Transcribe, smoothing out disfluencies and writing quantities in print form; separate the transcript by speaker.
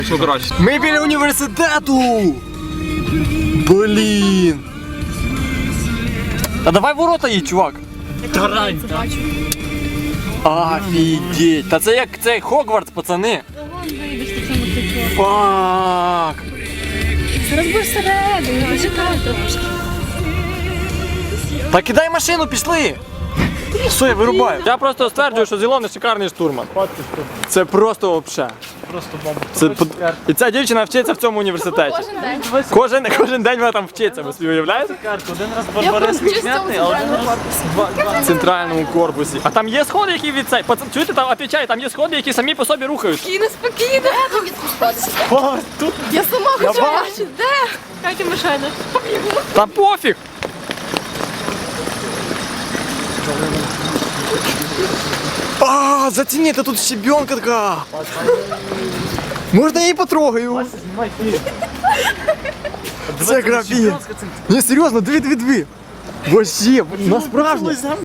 Speaker 1: Що краще?
Speaker 2: Ми біля університету! Блін! Та давай ворота їй, чувак!
Speaker 3: Тарань!
Speaker 2: Офігеть! Та це як цей Хогвартс, пацани! Фак!
Speaker 4: Зараз будеш всередину, почекай трошки.
Speaker 2: Та кидай машину, пішли! Все, я вирубаю. Я просто стверджую, що Зілон шикарний штурман. Це просто вообще.
Speaker 3: Просто бомба.
Speaker 2: І ця дівчина вчиться в цьому університеті.
Speaker 4: Кожен день.
Speaker 2: Кожен день вона там вчиться, ви собі уявляєте?
Speaker 3: Один раз
Speaker 4: Я
Speaker 3: Барбарис
Speaker 4: просто чисто
Speaker 3: відняти,
Speaker 4: у
Speaker 3: а один
Speaker 4: центральному
Speaker 3: раз
Speaker 2: В центральному корпусі. А там є сходи, які від цей. Пацан, чуєте, там отвечаю, там є сходи, які самі по собі рухаються.
Speaker 4: Спокійно, спокійно. Де тобі спускатися?
Speaker 3: О, тут
Speaker 4: Я сама хочу
Speaker 2: бачу.
Speaker 4: бачити. Де? Катя машина.
Speaker 2: Та пофіг! А, зацініть, тут щебенка така. Можна я її потрогаю?
Speaker 3: знімай фільм.
Speaker 2: Це графін. Ні, серйозно, дві. Вообще, насправді.